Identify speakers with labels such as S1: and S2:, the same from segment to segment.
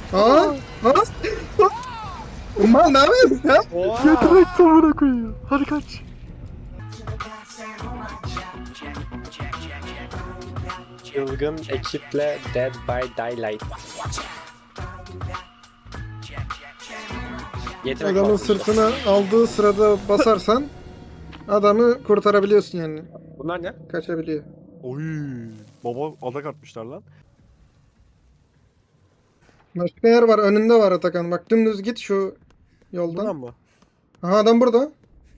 S1: Aa! Aa! Umman ne yapıyorsun ya?
S2: Oha.
S3: Yetenek tavına koyuyor. Hadi kaç.
S2: Çılgın ekiple Dead by Daylight. Yetenek
S1: Adamın
S2: var.
S1: sırtına aldığı sırada basarsan adamı kurtarabiliyorsun yani.
S2: Bunlar ne?
S1: Kaçabiliyor.
S3: Oy. Baba adak atmışlar lan.
S1: Başka yer var, önünde var Atakan. Bak dümdüz git şu
S3: Buradan
S1: yoldan.
S3: mı?
S1: Aha adam burada.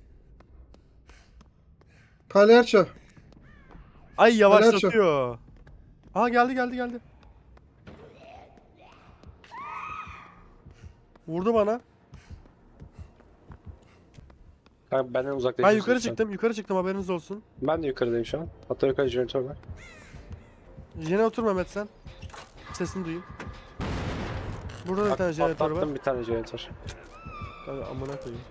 S1: Palyaço.
S3: Ay yavaşlatıyor. Aa geldi. Vurdu bana.
S2: Kanka benden uzaklaşıyorsun.
S3: Ben yukarı
S2: sen.
S3: çıktım. Yukarı çıktım haberiniz olsun.
S2: Ben de yukarıdayım şu an. Hatta yukarı jeneratör var.
S3: Yine otur Mehmet sen. Sesini duyayım. Burada da bir tane jeneratör var.
S2: Patlattım bir tane jeneratör.
S3: Kanka amına koyayım.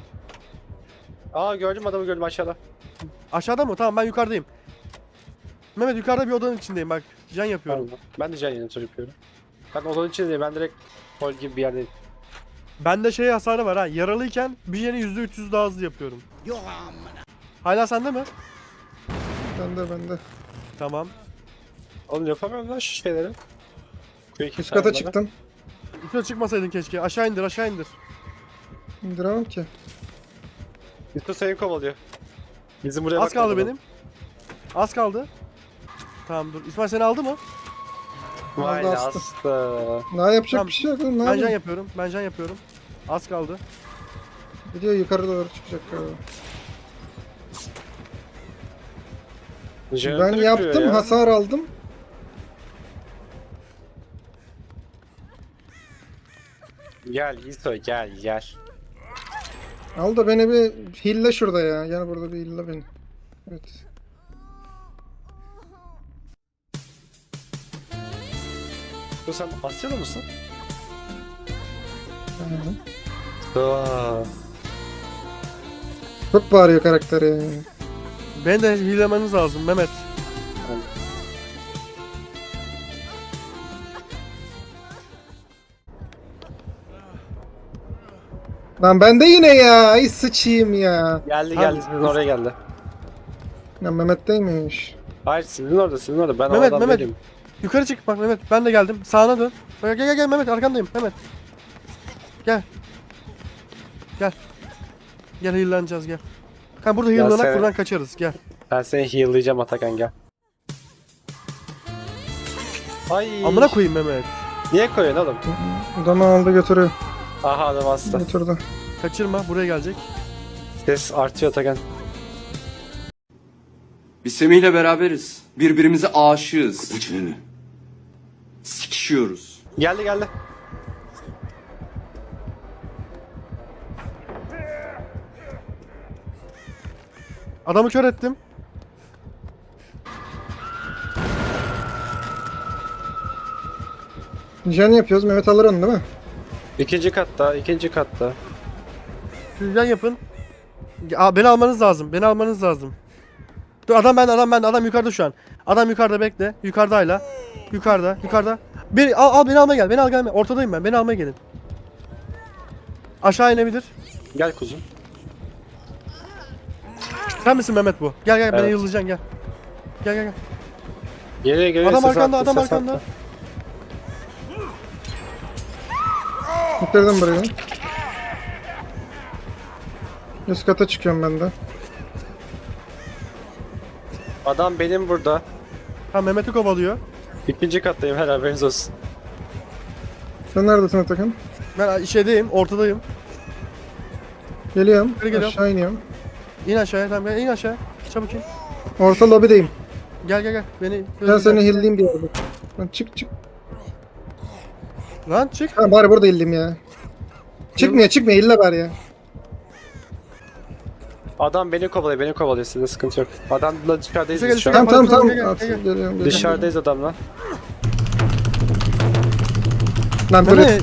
S2: Aa gördüm adamı gördüm aşağıda.
S3: Aşağıda mı? Tamam ben yukarıdayım. Mehmet yukarıda bir odanın içindeyim bak. Can yapıyorum.
S2: Ben de jeneratör yapıyorum. Ben odanın içinde değil, ben direkt hol gibi bir yerdeyim.
S3: Bende şey hasarı var ha. Yaralıyken bir jeni %300 daha hızlı yapıyorum. Hala sende mi?
S1: Bende.
S3: Tamam.
S2: Oğlum yapamıyorum lan şu şeyleri.
S1: Üst kata çıktım.
S3: Yukarı çıkmasaydın keşke. Aşağı indir.
S1: İndiremem ki.
S2: Yusuf seni kovalıyor. Bizim buraya
S3: Az kaldı
S2: bakmadı
S3: benim. Az kaldı. Tamam dur. İsmail seni aldı mı?
S2: Vay
S1: Aldı,
S2: astı.
S1: Daha yapacak
S3: Tamam.
S1: bir şey yok. oğlum, Ne
S3: Ben can
S1: yapayım?
S3: yapıyorum. Az kaldı.
S1: Gidiyor yukarı doğru çıkacak galiba.
S2: Jeneratör
S1: Ben
S2: yapıyor
S1: yaptım,
S2: ya.
S1: hasar aldım.
S2: Gel İso gel.
S1: Al da beni bir hille şurada ya. Gel burada bir hille beni. Evet.
S2: Bu sen Asyalı mısın?
S1: Hı.
S2: Aa.
S1: Çok bağırıyor karakter ya.
S3: Beni de hilemeniz lazım Mehmet.
S1: Lan ben de yine ya. Ay sıçayım ya.
S2: Geldi sizin oraya geldi.
S1: Ya Mehmet'teymiş.
S2: Hayır sizin orada ben
S3: Mehmet,
S2: oradan
S3: Mehmet.
S2: değilim.
S3: Yukarı çık bak Mehmet. Ben de geldim. Sağına dön. Gel Mehmet arkandayım Mehmet. Gel. Gel heal'lanacağız gel. Kanka burada
S2: Ya
S3: heal'lanak
S2: sen-
S3: buradan kaçarız gel.
S2: Ben seni heal'layacağım Atakan gel. Ay.
S3: Amına koyayım Mehmet.
S2: Niye koyuyorsun oğlum?
S1: Adamı aldı götürüyor.
S2: Aha adam hasta.
S1: Götürdü.
S3: Kaçırma buraya gelecek.
S2: Ses artıyor Atakan.
S4: Biz Semih'le beraberiz. Birbirimize aşığız. Sikişiyoruz.
S2: Geldi.
S3: Adamı kör ettim.
S1: Jen yapıyoruz. Mehmet alır onu değil mi?
S2: İkinci katta.
S3: Sizden yapın. Beni almanız lazım. Dur adam bende. Adam yukarıda şu an. Adam yukarıda bekle. Yukarıda hala. Yukarıda. Al beni almaya gel. Beni al gelme. Ortadayım ben. Beni almaya gelin. Aşağı inebilir.
S2: Gel kuzum.
S3: Sen misin Mehmet bu? Gel beni
S2: Evet.
S3: yıllayacaksın gel. Gel.
S2: Geliyor
S3: Adam
S2: ses
S3: arkanda,
S2: attı,
S3: adam
S2: ses
S3: arkanda.
S2: attı.
S1: Bitirdim burayı. Üst kata çıkıyorum ben de.
S2: Adam benim burada.
S3: Ha Mehmet'i kovalıyor.
S2: İkinci kattayım her haberiniz olsun.
S1: Sen neredesin Atakan?
S3: Ben şeydeyim, ortadayım.
S1: Geliyorum.
S3: Geri geliyorum.
S1: Aşağı iniyorum.
S3: İn aşağıya tamam in aşağı. Çabuk in.
S1: Orta lobideyim.
S3: Gel. Beni
S1: Ben seni hilleyim diye. Lan çık.
S3: Lan çık.
S1: Ha bari burada hilleyim ya. Çıkmıyor hille bari ya.
S2: Adam beni kovalıyor sizde sıkıntı yok. Adamla dışarıdayız
S3: Bize
S2: biz şu
S3: gel,
S2: an.
S1: Tamam.
S3: Gel.
S1: Geliyorum.
S2: Dışarıdayız adamla.
S1: Lan
S3: Bu
S1: böyle...
S3: ne?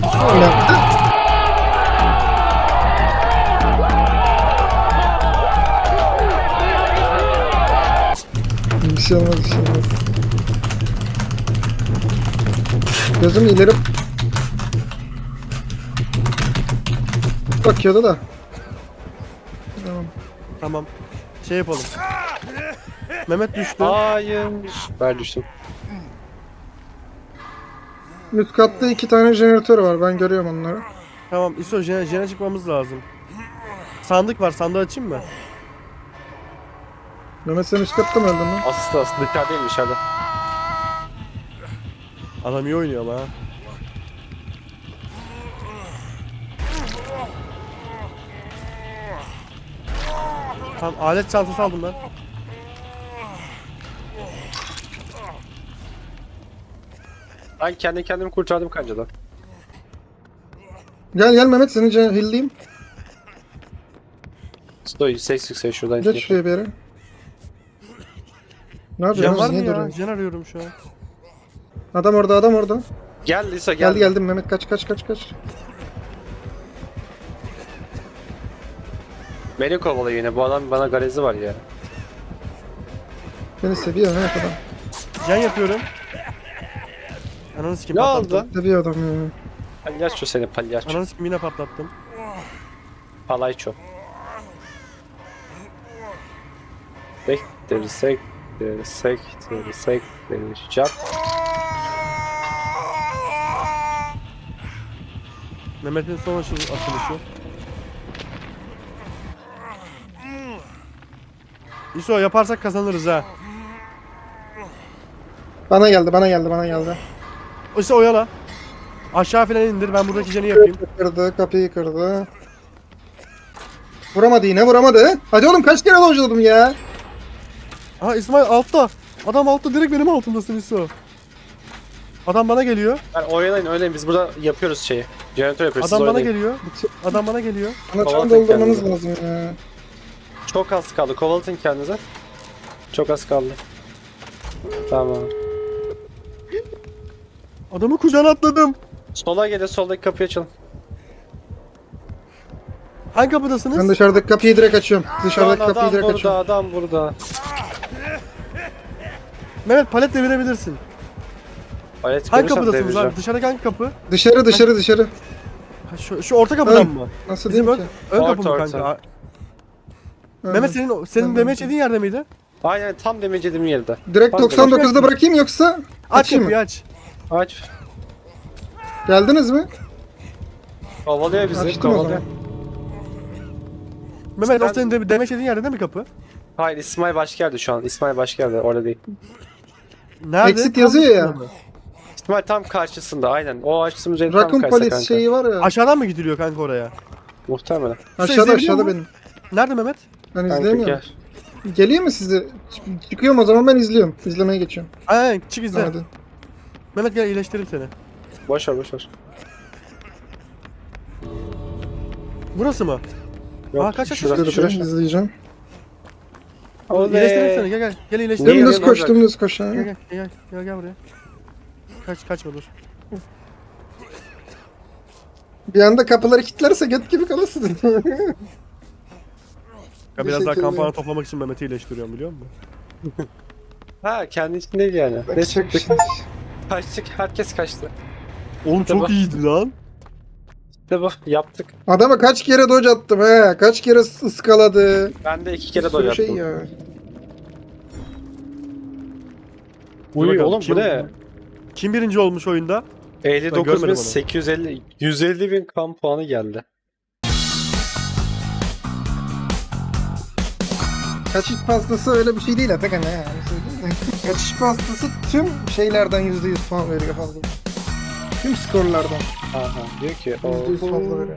S1: Bir şey olmaz. Gözüm ileri... Mehmet bakıyordu da. Tamam.
S3: Tamam. Şey yapalım. Mehmet düştü.
S2: Hayır. Ben düştüm.
S1: Üst katta 2 tane jeneratör var. Ben görüyorum onları.
S3: Tamam İso jene çıkmamız lazım. Sandık var, sandığı açayım mı?
S1: Mehmet sen üst katta mı öldün lan?
S2: Aslı dışarıdayım dışarıda.
S3: Adam iyi oynuyor ama ha. Tamam alet çantası aldım ben.
S2: Ben kendi kendimi kurtardım kancadan.
S1: Gel gel Mehmet seni hilleyim.
S2: Sto 180 şuradan.
S1: Geç şuraya bir yere. Ne
S3: Jen
S1: yapıyorsun?
S3: var mı
S1: Niye
S3: ya?
S1: duruyorsun?
S3: Jen arıyorum şu an.
S1: Adam orada adam orada.
S2: Gel Lisa gel.
S1: Geldim Mehmet kaç.
S2: Beni kovalıyor yine. Bu adam bana garezi var ya.
S1: Beni seviyor Mehmet adam.
S3: Jen yapıyorum. Ananı sikim
S2: Ne
S3: patlattım.
S2: oldu?
S1: Seviyor adam ya.
S2: Palyaço seni palyaço.
S3: Ananı sikim yine patlattım.
S2: Palayço. Sektir.
S3: Mehmet'in son açılışı. İso yaparsak kazanırız ha.
S1: Bana geldi.
S3: İso oyala. Aşağı falan indir ben buradaki jeni yapayım.
S1: Kapıyı kırdı. Vuramadı yine vuramadı. Hadi oğlum kaç kere dojladım ya.
S3: Aha İsmail altta. Adam altta direkt benim altımdasın İso. Adam bana geliyor.
S2: Ben oynayın biz burada yapıyoruz şeyi. Jeneratör yapıyoruz.
S3: Adam
S2: siz
S3: bana
S2: oynayın.
S3: geliyor. Adam bana geliyor.
S1: Bana can
S2: Kovalatın
S1: doldurmanız
S2: kendinizi.
S1: lazım ya.
S2: Çok az kaldı. Kovalatın kendinize. Çok az kaldı. Tamam.
S3: Adamı kucağına atladım.
S2: Sola gelin, soldaki kapıyı açalım.
S3: Hangi kapıdasınız?
S1: Ben dışarıdaki kapıyı direkt açıyorum. Dışarıdaki
S2: Lan
S1: kapıyı direkt açıyorum.
S2: adam burada.
S3: Mehmet palet devirebilirsin.
S2: Alet
S3: Hangi
S2: görürsem
S3: kapıdasınız
S2: devireceğim.
S3: abi? Dışarıdaki hangi kapı?
S1: Dışarı.
S3: Ha, şu orta kapıdan
S1: Ön.
S3: mı?
S1: Nasıl
S3: Bizim
S1: diyeyim
S3: ön,
S1: ki?
S3: ön kapı mı
S2: Orta.
S3: kanka?
S1: Ön.
S3: Mehmet senin
S1: Ön.
S3: demeç yediğin yerde miydi?
S2: Aynen tam demecediğim yerde.
S1: Direkt
S2: Tam
S1: 99'da bırakayım yoksa
S3: Aç
S1: açayım
S3: kapıyı
S1: mı?
S3: aç.
S2: Aç.
S1: Geldiniz mi?
S2: Kovalıyor bizi.
S1: Açtım o
S2: Kovalıyor.
S1: zaman.
S3: Mehmet o
S2: Ben-
S3: senin demeç yediğin yerde değil mi kapı?
S2: Hayır, İsmail başka yerde şu an. İsmail başka yerde, orada değil.
S3: Nerede?
S1: Exit
S3: Tam
S1: yazıyor ya.
S3: üstünde mi?
S2: İsmail tam karşısında aynen. O açtığımız yerin tam
S1: Raccoon
S2: karşısında
S1: Police
S2: kanka.
S1: şeyi var ya.
S3: Aşağıdan mı gidiliyor kanka oraya?
S2: Muhtemelen.
S1: Aşağıda
S3: izleyebiliyor mu?
S1: benim.
S3: Nerede Mehmet?
S1: Ben
S2: Kanka
S1: izleyemiyorum.
S2: gel.
S1: Geliyor mu size? Çıkıyorum o zaman ben izliyorum. İzlemeye geçiyorum.
S3: Aynen çık izle.
S1: Hadi.
S3: Mehmet gel iyileştireyim seni.
S2: Boş ver.
S3: Burası mı?
S2: Yok,
S3: Aa, kaç
S2: şurası,
S3: yaşındasın?
S1: Şurada
S2: şurası.
S1: izleyeceğim.
S3: İyileştireyim seni gel. Gel iyileştireyim.
S2: Niye?
S1: Dümdüz
S2: ne
S1: koş
S2: olacak?
S1: dümdüz koş. ha.
S3: Gel buraya. Kaçma dur.
S1: Bir anda kapıları kilitlerse göt gibi kalırsın.
S3: Ya biraz daha
S1: Teşekkür
S3: kampanya
S1: ederim.
S3: toplamak için Mehmet'i iyileştiriyorum biliyor musun?
S2: Ha, kendi için değil yani. Ne
S1: Bakacak bir
S2: çıktık?
S1: şey.
S2: Kaçtık, herkes kaçtı.
S3: Oğlum
S2: Tamam.
S3: çok iyiydi lan.
S2: İşte bu, yaptık.
S1: Adama kaç kere dodge attım he. Kaç kere ıskaladı.
S2: Ben de 2
S1: Bir
S2: kere
S1: sürü
S2: doy
S1: şey
S2: yaptım.
S1: ya.
S2: Uy
S3: bakalım,
S2: oğlum bu ne?
S3: Kim birinci olmuş oyunda? Ben
S2: 59
S3: görmedim
S2: bin
S3: onu.
S2: 850 150 bin kan puanı geldi.
S1: Kaçış pastası öyle bir şey değil Atakan ya. Yani söyleyeyim de. Kaçış pastası tüm şeylerden %100 puan veriyor fazla. Tüm skorlardan.
S2: Aha diyor ki
S1: %100 fazla veriyor.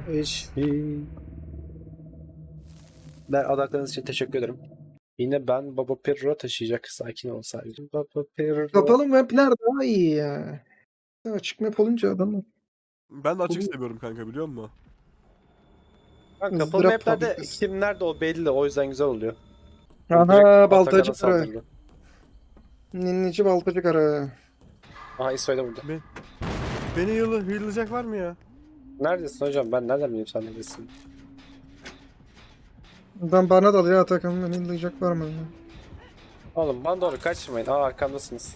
S2: Ben adaklarınız için teşekkür ederim. Yine ben Baba Pirro taşıyacak, sakin ol sadece. Baba Pirro.
S1: Kapalı mapler daha iyi ya. Açık map olunca adamlar.
S3: Ben de açık seviyorum kanka biliyor musun?
S2: Kapalı
S1: ızdırap
S2: maplerde
S1: fabrikası.
S2: kim nerede o belli, o yüzden güzel oluyor.
S1: Aha
S2: Direkt
S1: baltacı
S2: Atakan'a
S1: kara.
S2: saldırdı.
S1: Ninnici baltacı kara.
S2: Aha İsoy da burada.
S3: Beni yıllayacak var mı ya?
S2: Neredesin hocam? Ben nereden bileyim sen neredesin?
S1: Adam bana dalıyor Atakan. Beni inleyecek var mı?
S2: Oğlum bana doğru kaçmayın. Aa, arkamdasınız.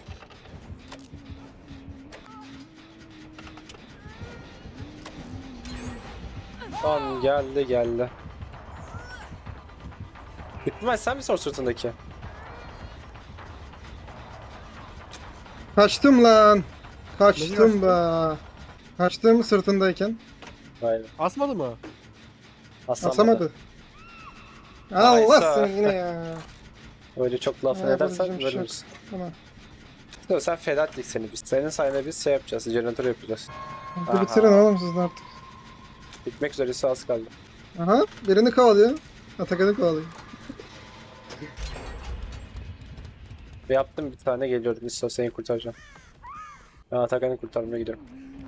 S2: Tamam geldi. Hükmümen sen misin o sırtındaki?
S1: Kaçtım lan.
S3: Nesi
S1: Kaçtım be. Kaçtım sırtındayken.
S2: Aynen.
S3: Asmadı mı?
S1: Asamadı.
S2: Aysa.
S1: Allah seni yine ya.
S2: Öyle çok laf
S1: Ya,
S2: edersen
S1: yapacağım bir şey yok.
S2: ölürüz.
S1: Tamam.
S2: Sen feda ettik seni biz. Senin sayende biz şey yapacağız. Jeneratör yapacağız.
S1: Hadi
S2: Aha.
S1: bitirin oğlum siz de artık.
S2: Bitmek üzeresi az kaldı.
S1: Aha birini kovalıyor. Atakan'ı kovalıyor.
S2: Ve yaptım bir tane geliyorum. İso seni kurtaracağım. Ben Atakan'ı kurtarmaya gidiyorum.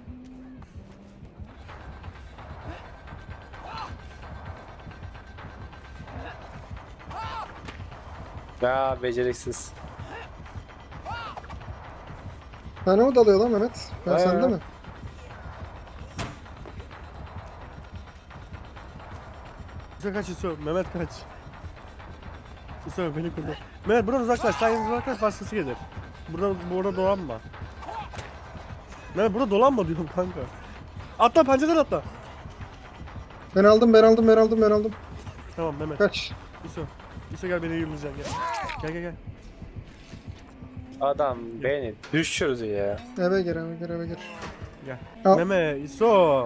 S2: Ya beceriksiz.
S1: Sana mı dalıyor lan Mehmet? Ben
S2: He.
S1: sende mi?
S3: İso kaç İso. Mehmet kaç. İso beni kurtar. Mehmet buradan uzaklaş. Sen uzaklaş başkası gelir. Burada dolanma. Mehmet burada dolanma diyorum kanka. Atla pencereden atla.
S1: Ben aldım.
S3: Tamam Mehmet.
S1: Kaç.
S3: İso gel beni yürüyeceksin gel. Gel.
S2: Adam beni düşürdü ya.
S1: Eve gir.
S3: Gel.
S1: Al.
S3: Mehmet İso.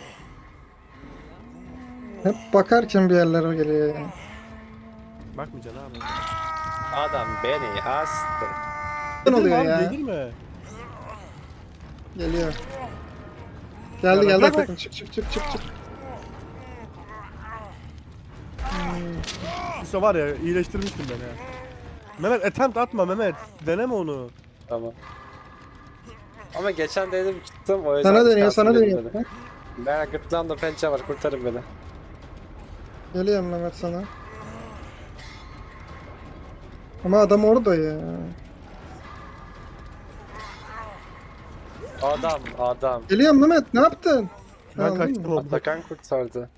S1: Hep bakarken bir yerlere geliyor ya.
S3: Bakmayacaksın abi.
S2: Adam beni astı.
S1: Ne oluyor
S3: Abi,
S1: ya?
S3: Yedirme.
S1: Geliyor.
S3: Ya
S1: Geldi
S3: bak, bak.
S1: Atakan. Çık.
S3: İso var ya iyileştirmiştim beni ya. Mehmet attempt atma Mehmet. Deneme onu.
S2: Tamam. Ama geçen dedim gittim o yüzden.
S1: Sana dönüyor,
S2: şansım
S1: sana
S2: dedim
S1: dönüyor.
S2: dedi. Ben gırtlağımda pençe var kurtarın beni.
S1: Geliyorum Mehmet sana. Ama adam orada ya.
S2: Adam.
S1: Geliyorum Mehmet, ne yaptın?
S3: Ben
S1: Aldın
S3: kaçtım
S1: mı?
S3: oğlum.
S2: Atakan kurtardı.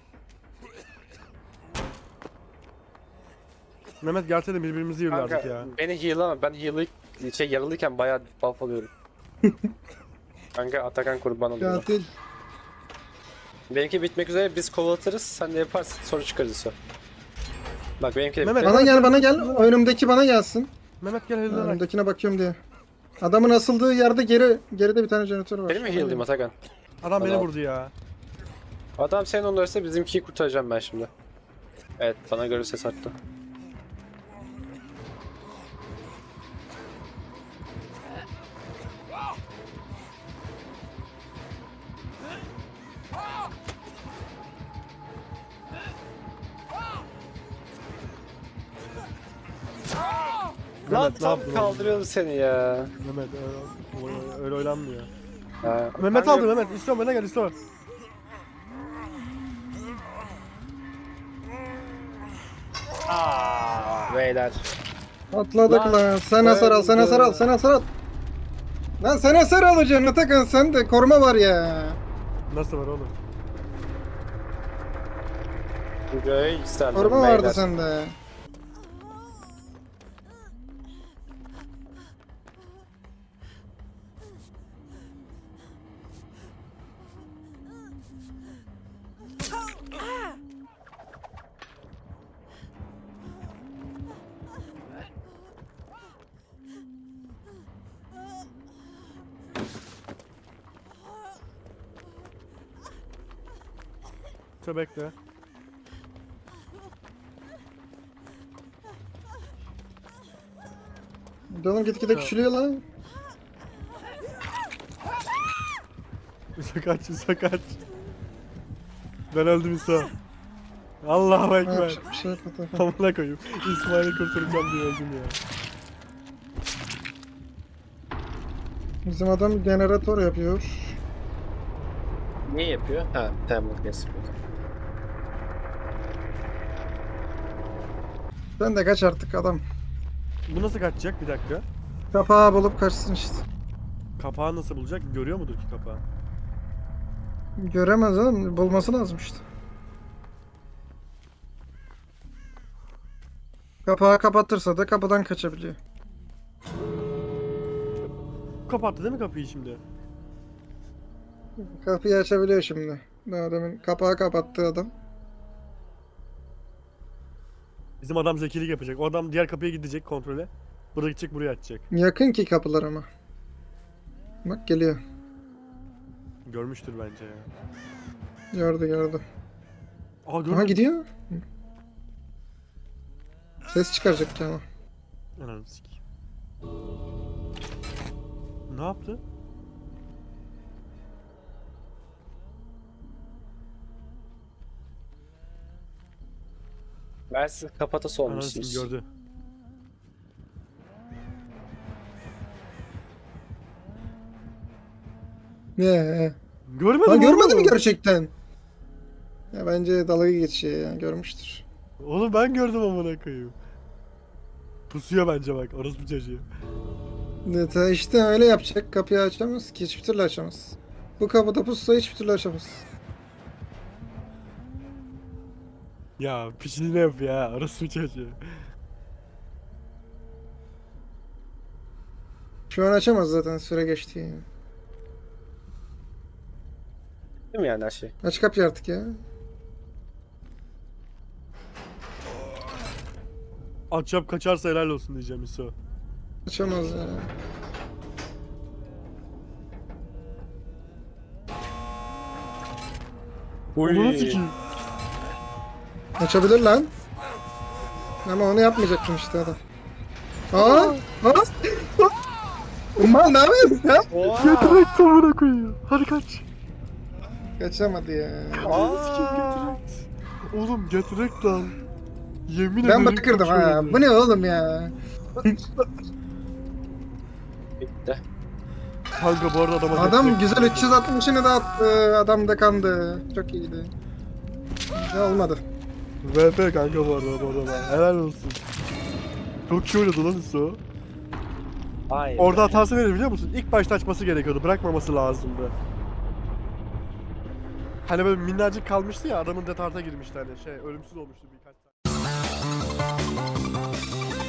S3: Mehmet gelsene birbirimizi yürürdük
S2: Kanka
S3: ya.
S2: beni heal'lama. Ben yaralıyken bayağı buff alıyorum. Kanka Atakan kurban oluyor.
S1: Katil.
S2: Benimki bitmek üzere biz kovalatırız. Sen de yaparsın soru çıkarırız o. Bak benimki de
S3: Mehmet,
S2: bitti.
S1: Bana gel. Önümdeki bana gelsin.
S3: Mehmet gel helal.
S1: Önümdekine bakıyorum diye. Adamın asıldığı yerde geride bir tane jeneratör var.
S2: Benim mi heal'layım Atakan?
S3: Adam beni
S2: Bana-
S3: vurdu ya.
S2: Adam senin onlarsa bizimkiyi kurtaracağım ben şimdi. Evet bana göre ses attı. Lan
S3: Mehmet, ne
S2: tam
S3: yaptın
S2: kaldırıyordu seni ya.
S3: Mehmet öyle oynanmıyor.
S2: Ha,
S3: Mehmet
S2: kanka-
S3: aldı Mehmet. İstiyorum bana gel istiyorum.
S2: Beyler.
S1: Atladık
S2: Lan,
S1: lan. Sen hasar al. Lan sen hasar alacaksın Atakan, sen de koruma var ya.
S3: Nasıl var oğlum?
S2: Burayı yükseldim
S1: Koruma
S2: beyler.
S1: vardı sende.
S3: Dur bekle.
S1: Canım gitgide küçülüyor lan.
S3: İso kaç. Ben öldüm İso. Allahu
S1: Ne
S3: ekber.
S1: yapacak bir şey yok Atakan.
S3: Amına koyayım. İsmail'i kurtaracağım diye öldüm ya.
S1: Bizim adam jeneratör yapıyor.
S2: Ne yapıyor? Ha, tamam kes.
S1: Sen de kaç artık adam.
S3: Bu nasıl kaçacak? Bir dakika.
S1: Kapağı bulup kaçsın işte.
S3: Kapağı nasıl bulacak? Görüyor mudur ki kapağı?
S1: Göremez oğlum. Bulması lazım işte. Kapağı kapatırsa da kapıdan kaçabiliyor.
S3: Kapattı değil mi kapıyı şimdi?
S1: Kapıyı açabiliyor şimdi. Daha demin kapağı kapattı adam.
S3: Bizim adam zekilik yapacak. O adam diğer kapıya gidecek kontrole. Burada gidecek, buraya açacak.
S1: Yakın ki kapılar ama. Bak geliyor.
S3: Görmüştür bence ya.
S1: Gördü.
S3: Aha
S1: Aha
S3: gördüm.
S1: gidiyor. Ses çıkaracak ki ama.
S3: Ananı sikeyim. Ne yaptı?
S2: Ben siz kafatası
S3: Ananı
S2: olmuşsunuz.
S3: sikeyim, gördü.
S1: Ne?
S3: Görmedim
S1: Ha görmedi mi
S3: oğlum.
S1: gerçekten? Ya bence dalga geçiyor ya. Görmüştür.
S3: Oğlum ben gördüm amına koyayım. Pusuyor bence bak, orospu çocuğu.
S1: Evet, işte öyle yapacak. Kapıyı açamaz ki. Hiçbir türlü açamaz. Bu kapıda pussa hiçbir türlü açamaz.
S3: Ya pişini ne yap ya, orospu çocuğu.
S1: Şu an açamaz zaten, süre geçti yani.
S2: Değil mi yani her şey?
S1: Aç kapıyı artık ya.
S3: Akşam kaçarsa helal olsun diyeceğim İso.
S1: Açamaz ya.
S3: Onu sikeyim.
S1: Açabilir lan. Ama onu yapmayacaktım işte adam. Aa! Aa! Umman ne yapıyorsun ya?
S3: Getirek amına koyuyor. Hadi kaç.
S1: Kaçamadı ya.
S3: Sikeyim getirek. Oğlum getirek lan. Yemin
S1: Ben
S3: ederim
S1: bırakırdım ha.
S3: kaçıyordu.
S1: Bu ne oğlum ya?
S2: Bitti.
S3: Kanka bu arada adama
S1: Adam
S3: getirek-
S1: güzel 360'ını da attı. Adam da kandı. Çok iyiydi. Ne olmadı.
S3: VP kanka bu arada. Helal olsun. Çok iyi oynadı lan İso.
S2: Hayır.
S3: Orada hatası neydi biliyor musun? İlk başta açması gerekiyordu. Bırakmaması lazımdı. Hani böyle minnacık kalmıştı ya, adamın detarta girmişti hani, ölümsüz olmuştu birkaç tane.